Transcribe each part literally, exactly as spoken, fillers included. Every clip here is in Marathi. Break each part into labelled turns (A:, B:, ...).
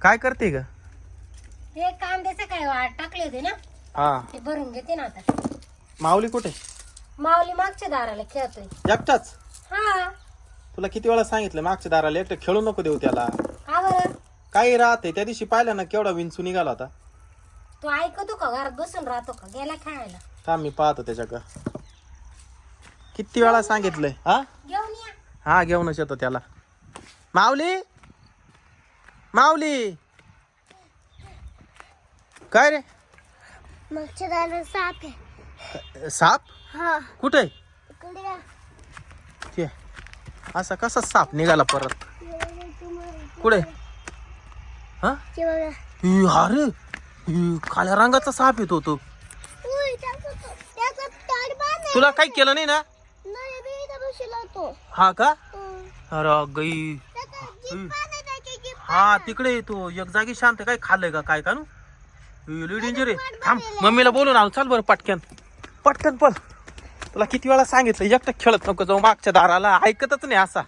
A: काय करते ग?
B: ते कांद्याचं काय वाट टाकले होते ना,
A: हा
B: ते भरून घेते ना आता.
A: माऊली कुठे?
B: माऊली मागच्या दाराला खेळतोय.
A: एकटाच?
B: हा.
A: तुला किती वेळा सांगितलं मागच्या दाराला एकटं खेळू नको देऊ त्याला.
B: का बरं?
A: काही राहते त्या दिवशी पाहिलं ना केवढा विंचू निघाला होता.
B: तू ऐकतो का? घरात बसून राहतो का? गेला खेळायला.
A: थांब मी पाहतो त्याच्याकडं. किती वेळा सांगितलंय? हा
B: घेऊन या.
A: हा घेऊनच येतो त्याला. माऊली माऊली काय रे?
B: मागच्या दाराला साप आहे.
A: साप
B: हा.
A: कुठे?
B: इकडे.
A: ते असा कसा साप निघाला परत? कुठे? हा इ, अरे इ, काळ्या रंगाचा साप येतो तो. तुला काही केलं नाही ना? हा का? अरे गई. हा तिकडे येतो एक जागी शांत. काय खाल्लंय का काय का नु? डेंजर आहे. थांब मम्मीला बोलून आणू. चाल बरं पटकन पटकन पण. तुला किती वेळा सांगितलं एकटं खेळत नको जाऊ मागच्या दाराला. ऐकतच नाही असा.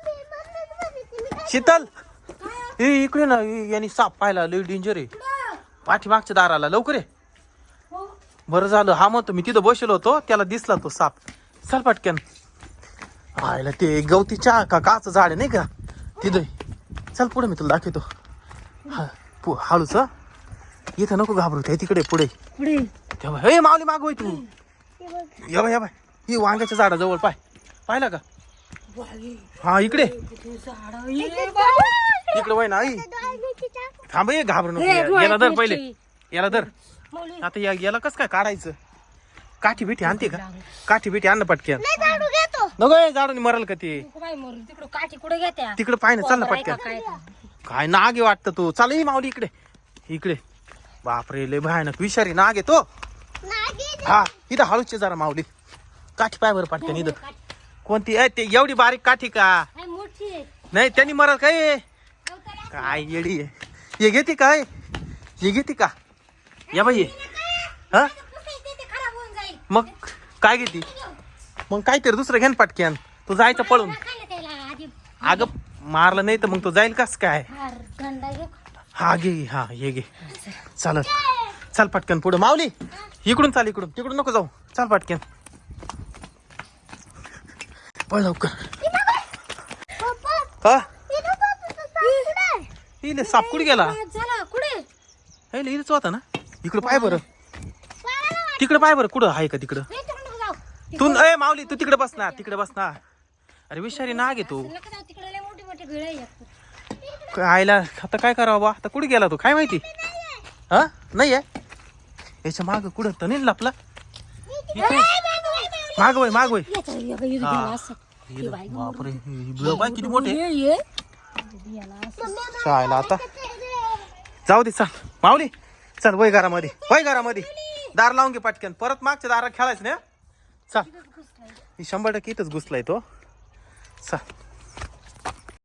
A: शीतल ए इकडे ना, यांनी साप पाहिला. लई डेंजर आहे. पाठीमागच्या दाराला लवकर ये. बरं झालं हा म्हणतो मी तिथं बसलो होतो त्याला दिसला तो साप. चल पटकन. आयला ते गवतीच्या का काच झाड आहे नाही का तिथं. चल पुढे मी तुला दाखवतो. हा पु हळूच इथं नको घाबरू. ते तिकडे पुढे तेव्हा हे माऊली मागवय तू. या बाय या बाय ही वांग्याच्या झाडाजवळ पाय. पाहिला का? हा इकडे इकडे वय ना आई. थांब ये घाबरू नको. याला धर पहिले. याला धर. आता या याला कस काय काढायचं? काठी बिठी आणते का? काठी बिठी आण पटक्यान. नको झाडून मरल का ते?
B: काठी कुठे घेत्या?
A: तिकडे पाय ना. चल ना पटक्यान. काय नाग आहे वाटतं तू. चाल ही माऊली इकडे इकडे. बापरे लय भयानक विषारी नाग आहे तो. हा इथं हळूचे जरा माऊली. काठी पाय बरं पटक्यान. इथं कोणती आहे ते? एवढी बारीक काठी का? नाही त्यांनी मरल काय? काय येडी आहे. हे घेते काय? हे घेते का? या बाई हा मग काय घेते? मग काहीतरी दुसरं घेन पटक्यान. तू जायचं पळून. अगं मारलं नाही तर मग तो जाईल कस काय? हा घे हा हे घे. चालत चाल पटकन पुढे. माऊली इकडून चाल. इकडून तिकडून नको जाऊ. चाल पटकन पळ लवकर. हा इले साप कुठे गेला? इलेच होता ना. इकडं पाय बरं. तिकडे पाय बरं. कुठं आहे का तिकडं? तू ए माऊली तू तिकडे बस ना. तिकडे बस ना. अरे विषारी नाग आहे तू. आयला आता काय करावं बा? आता कुठे गेला तू काय माहिती? हा नाही आहे याच्या माग कुठं तर नाही लपला. मागवय मागवय. बापरे किती मोठे. चायला आता जाऊ दे. चल माऊली चल वय घरामध्ये. वय घरामध्ये दार लावून घे पटकन. परत मागच्या दारात खेळायचं ना. चल शंभर टक्के इथंच घुसलाय तो. चल